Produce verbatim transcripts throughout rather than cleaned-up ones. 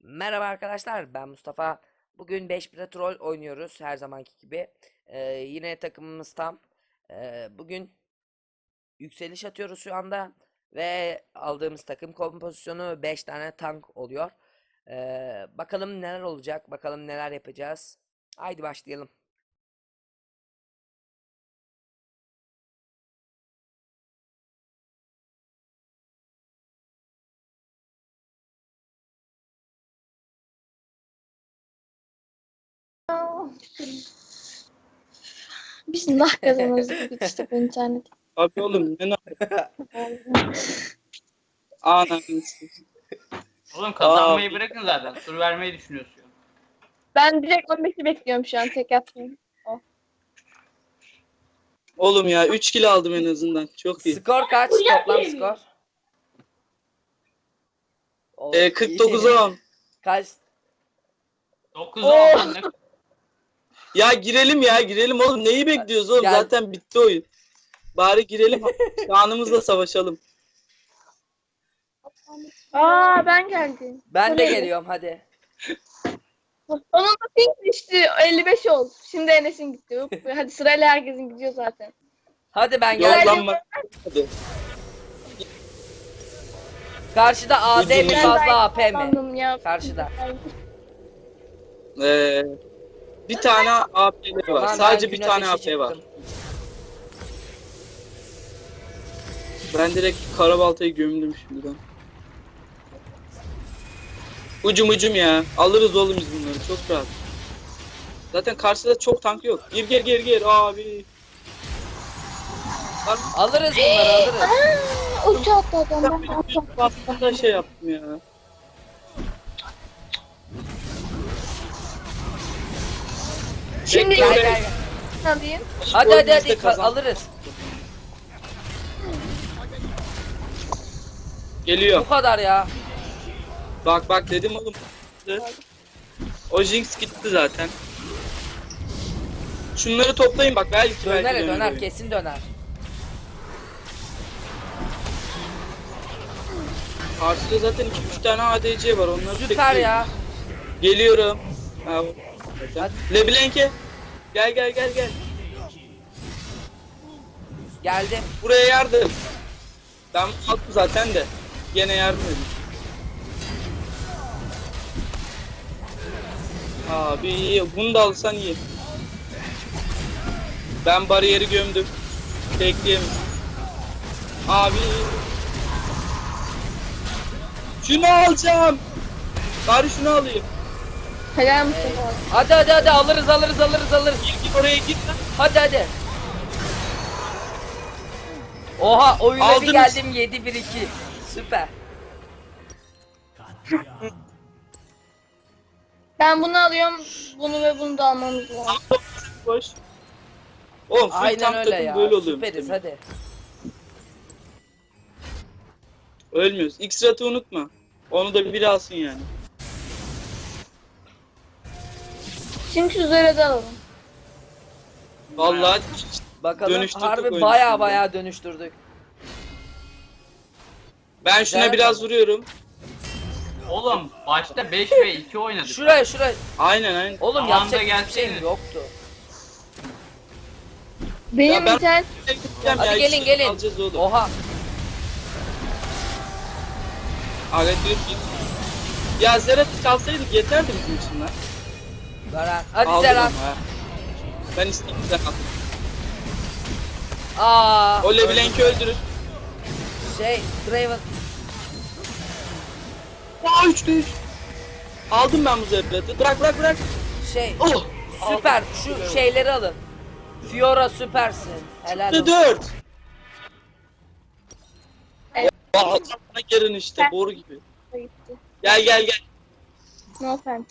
Merhaba arkadaşlar, ben Mustafa. Bugün beş bire troll oynuyoruz her zamanki gibi. Ee, yine takımımız tam. Ee, bugün yükseliş atıyoruz şu anda ve aldığımız takım kompozisyonu beş tane tank oluyor. Ee, bakalım neler olacak, bakalım neler yapacağız. Haydi başlayalım. Bismillah kazanırız dedik işte bu internet. Abi oğlum ne ne anasını. Oğlum kazanmayı Aa, bırakın zaten. Tur vermeyi düşünüyorsun. Ben direkt on beşi bekliyorum şu an tek yaptım. Oğlum ya üç kilo aldım en azından. Çok iyi. Skor kaç? Toplam skor? O, Ee, kırk dokuza on. Kaç? dokuz Oh. on. Ne- Ya girelim ya girelim oğlum. Neyi bekliyoruz oğlum? Gel. Zaten bitti oyun. Bari girelim. Şanımızla savaşalım. Aa ben geldim. Ben de Oraya. geliyorum hadi. Onun da ping düştü elli beş oldu. Şimdi Enes'in gitti. Hop, hadi sırayla herkesin gidiyor zaten. Hadi ben Yok geldim. lan bak. Hadi. Karşıda A D mi Ucunu- fazla A P mi? Sandım ya. Karşıda. Ee, bir tane A P var. Ulan ben Sadece bir gün tane A ateşi P var. çıktım. Ben direkt karabaltayı gömdüm şimdiden. Ucum ucum ya. Alırız oğlum biz bunları. Çok rahat. Zaten karşıda çok tank yok. Gir gir gir gir abi. Lan Alırız bunları alırız. Aa, uçağı attı adam. Ben de ben uçağı bir bastığımda şey yaptım ya. Şimdi Gel Bekle, gel gel. alayım. Hadi Oyunu hadi biz de hadi ka- kazan- alırız. Geliyor. Bu kadar ya. Bak bak dedim oğlum. O Jinx gitti zaten. Şunları toplayın bak belki belki Döner döner döner oyun. kesin döner. Karşıda zaten iki üç tane A D C var onları Süper tekleyin. ya. Geliyorum. Ha, Hadi. Leblanc'e. Gel gel gel gel. Geldim. Buraya yardım. Ben aldım zaten de. Gene yardım edin. Abi bunu da alsan iyi. Ben bariyeri gömdüm. Bekleyemem. Abi. Şunu alacağım. Bari şunu alayım. Helal Mustafa. Hadi hadi hadi alırız alırız alırız alırız. Git git oraya git lan. Hadi hadi. Oha oyuna bir Aldınız. geldim yedi bir iki. Süper. Ben bunu alıyorum. Bunu ve bunu da almamız lazım. Boş. Oğlum full Aynen tank öyle takım ya. böyle oluyor. Süperiz hadi. Ölmüyoruz. X-Rat'ı unutma. Onu da biri alsın yani. Şimdi şu zırhı alalım. Vallahi Bakalım Dönüştürdük harbi oyunu baya şimdi. baya dönüştürdük. ben şuna Güzel. biraz vuruyorum. Oğlum başta beş ve iki oynadık. Şuraya şuraya. Aynen aynen. Oğlum Zamanında yapacak hiçbir şeyim gelseydin. yoktu. Benim Ya ben- internet Gideceğim Hadi ya, gelin ikisini gelin. Alacağız oğlum. Oha. Aga dur git. Ya Zerat'ı çalsaydık yeterdi bizim için lan. Zeren. Hadi Aldım Zeren. ama ha. Ben isteyeyim sen al. Aa. O Leblanc'i öldürür. Şey Draven. Aa üçte üç. Aldım ben bu Zerat'ı. Bırak bırak bırak. Şey Oh. süper. Aldım. Şu şeyleri alın. Fiora süpersin. Helal Üçte olsun. dört. Evet. Aa sana gelin işte boru gibi. gitti. Gel gel gel. No offense.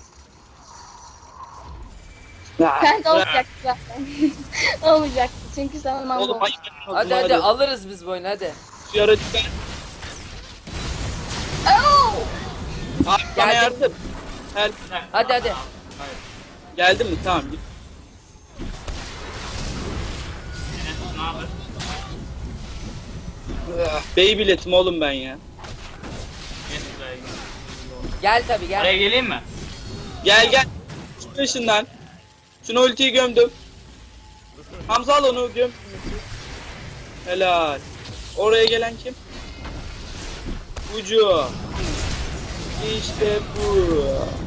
Ya, Sen de bırak. olacaktı zaten. Olmayacaktı çünkü sen Oğlum mango. hayır. Hadi hadi alırız biz bu oyunu hadi. Şu yara çıkar. Oh! Abi bana Geldim. yardım. Her Hadi hadi. geldin mi? Tamam git. Ne haber? Bey biletim oğlum ben ya. Geç buraya, gel. Gel tabi gel. Oraya geleyim mi? Gel gel. Şu ışından. Şuna ultiyi gömdüm. Hamza al onu göm. Helal. Oraya gelen kim? Ucu. İşte bu.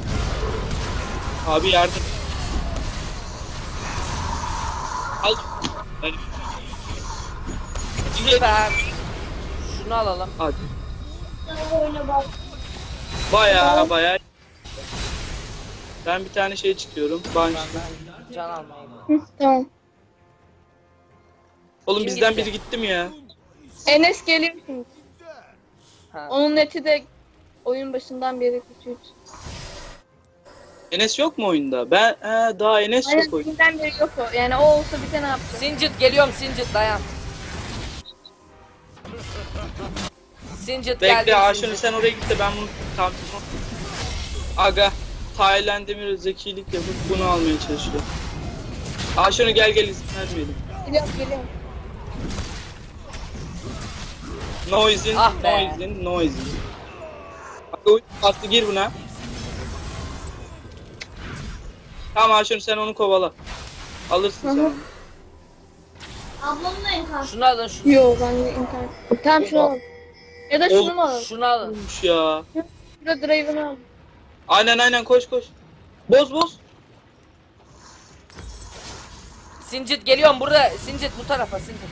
Abi yardım. Al. Hadi. Süper. Şunu alalım. Hadi. Baya baya. Ben bir tane şey çıkıyorum. Banş. Can almayı. Hı, tamam. Oğlum Kim bizden gitti? biri gitti mi ya? Enes geliyor şimdi. Ha. Onun neti de oyun başından beri kötüydü. Enes yok mu oyunda? Ben he, daha Enes Aynen yok oyunda. bizden beri yok o. Yani o olsa bize ne yapacak? Sincit geliyorum Sincit dayan. Sincit geldi. Bekle Aşkın sen oraya git de ben bunu tam Aga Tayland Demir zekilik yapıp bunu almaya çalışıyor. Aşkın gel gel izin vermeyelim. Geliyorum geliyorum. Noise'in, Ah be. Noise'in, Noise'in. Aga oyun bastı gir buna. Tamam Aşkın sen onu kovala. Alırsın Hı sen hı. onu. Ablamın en karşı. Şunu alın şunu. Yo ben de internet. Tamam şunu alalım. Ya da şunu mu alalım? Şunu alın. Olmuş ya. Şurada drive'ını alalım. Aynen aynen koş koş. Boz boz. Sincit geliyorum burada. Sincit bu tarafa Sincit.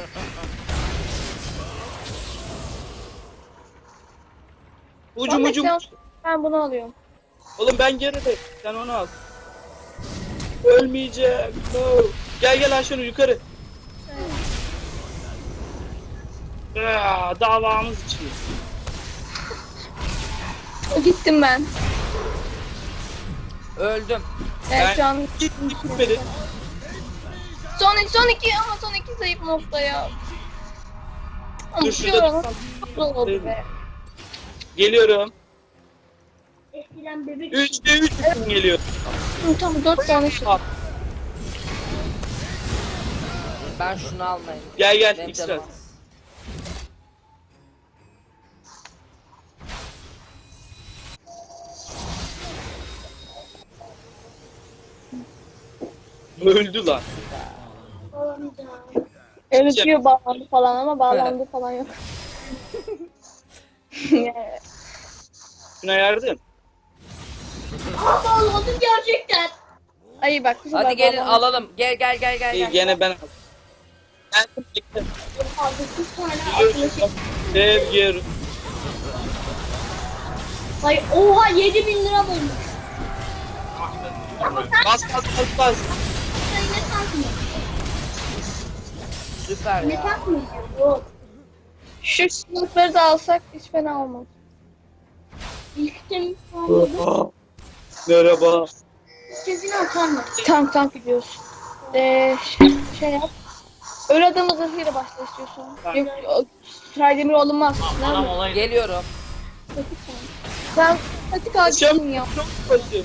Ucum Ahmet, ucum. sen- Ben bunu alıyorum. Oğlum ben geride. Sen onu al. Ölmeyeceğim. No. Gel gel Ayşenur yukarı. Aa, davamız için. Gittim ben. Öldüm. Evet Ben- şu an Git gitmedi. son iki, son iki ama son iki zayıf nokta ya. Ama Dur şu şurada an tutsam. çok oldu be. Geliyorum. Eskiden bebek Üçte üç geliyor. Hı, tamam dört tane şey. Al. Ben şunu almayayım. Gel gel Benim X-Ray. canım az. Öldü lan. olamayacağım. Evet diyor bağlandı falan ama bağlandı falan yok. Şuna yardım. Aa bağladım gerçekten. Ay bak. bu sefer Hadi gelin bağlandı. alalım. Gel gel gel gel. İyi gel. gene ben aldım. Geldim bekle. Fazla kız tane arkadaşım. Sevgi. Ay oha yedi bin lira bulmuş. Bas bas bas bas. Sen ne tankmı? Süper Ne ya. tankmı? Yok. Şu sınıfları da alsak hiç fena olmaz. İlk temiz sandım. Merhaba. Sesini atar mı? Tank tank gidiyoruz. Ee, şey, şey yap. Öyle adamı zırhıyla başla istiyorsan. Yok, o- Traydemir olunmaz. Adam olaydı. Geliyorum. Sen patik ağacısın ya. Çok basit.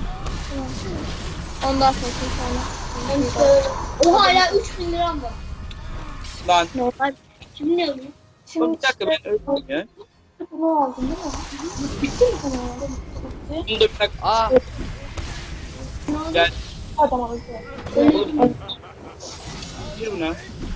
Ondan sonra sonra. Oha hala üç bin liram var. Lan. Normal. Kim ne alıyor? Oğlum Şimdi bir dakika ben öldüm ya. bunu aldın değil mi? Bitti mi sana? Bunu da bir dakika. Aa Gel. Adam aldı. Oğlum. Gir buna.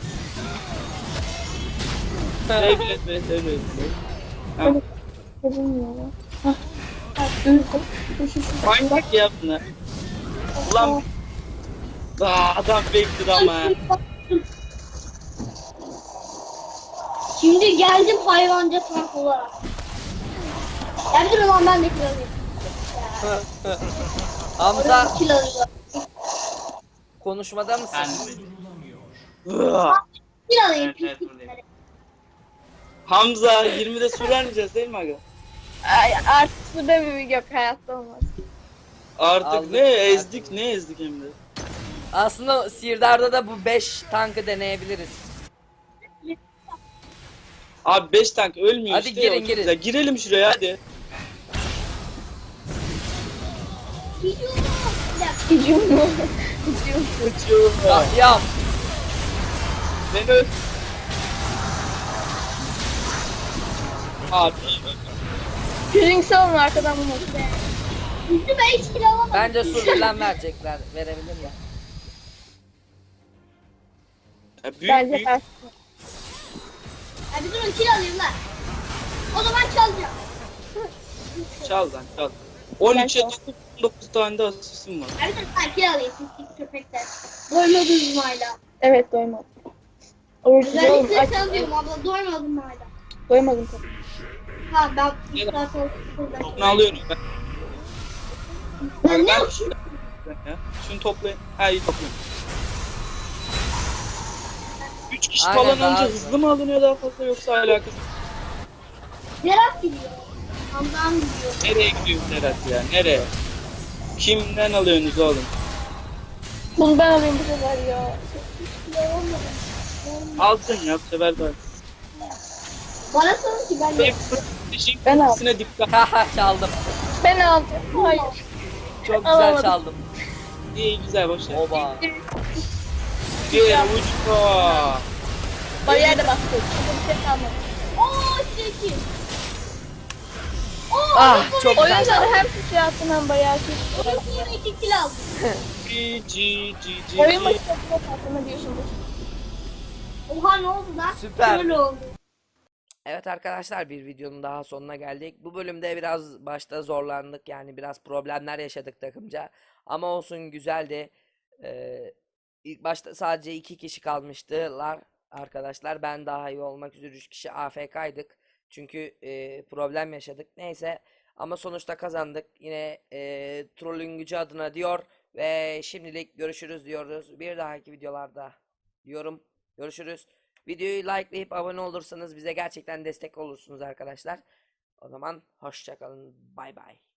Şey bile be, şey bile. Ha, Kazanmıyor ya. Hah. Hah, dur, dur, şu, şu. manyak ya bunlar. Ulan. Aa, adam bekliyor ama. Şimdi geldim hayvanca tank olarak. Geldim ama ben de kilo alayım. Hamza Kilo alayım. konuşmada mısın? Ben Aa, Kilo alayım. Evet, evet, buradayım. Hamza yirmide su vermeyeceğiz değil mi aga? Ay, artık bu da bir yok hayatta olmaz. Artık Aldık. ne ezdik ne ezdik hem de. Aslında Sirdar'da da bu beş tankı deneyebiliriz. Abi beş tank ölmüyor Hadi işte. girin, ya, çok girin. güzel. Girelim şuraya hadi. Gidiyorum. Bir dakika. Gücüm mu? Gücüm. Kaçıyorum ya. Ah ya Beni öl. Abi. Pirinç salın arkadan bunu. Üstü ben hiç kill alamadım. Bence sur falan verecekler. Verebilirler. Ya büyük Bence büyük ters. Ya bir durun kill alayım lan. O zaman çalacağım. çal lan çal. on üçe çal. dokuz, on dokuz tane de asistim var. Ya bir durun ben kill alayım siz siz köpekler. Doymadınız mı hala? Evet doymadım. Orucu oğlum Özellikle aç. sen diyorum abla doymadın mı hala? Doymadım tabii. Ha ben bir saat oldu burada. Bunu alıyorum ben. Ben ne Ben- yapayım? Ya. Şunu toplayın. Ha iyi toplayın. üç kişi Aynen, falan daha önce hızlı. hızlı mı alınıyor daha fazla yoksa alakası? Serap gidiyor. Hamdan gidiyor. Nereye gidiyor Serhat ya? Nereye? Kimden alıyorsunuz oğlum? Bunu ben alayım bu sefer ya. Alsın ya bu sefer de. Bana sorun ki ben de. Benim stratejik Ben aldım. ultisine dikkat. Haha çaldım. Ben aldım. Hayır. Çok güzel Alamadım. çaldım. İyi güzel boş ver. Oba. Diğer uçta. Bariyer de bastı. Şimdi bir şey kalmadı. Ooo çekil. Ooo Ah çok güzel Oyuncuları çaldım. hem sıçra attın hem bariyer sıçra. Oyun iki kill aldım. G G G Oyun G. başı sıçra attın ne diyorsunuz? Oha ne oldu lan? Süper. Şöyle oldu. Evet arkadaşlar bir videonun daha sonuna geldik. Bu bölümde biraz başta zorlandık yani biraz problemler yaşadık takımca. Ama olsun güzeldi. Ee, ilk başta sadece iki kişi kalmıştılar arkadaşlar. Ben daha iyi olmak üzere üç kişi A F K'ydık. Çünkü e, problem yaşadık. Neyse ama sonuçta kazandık. Yine e, trollün gücü adına diyor. Ve şimdilik görüşürüz diyoruz. Bir dahaki videolarda diyorum. Görüşürüz. Videoyu likelayıp abone olursanız bize gerçekten destek olursunuz arkadaşlar. O zaman hoşça kalın. Bay bay.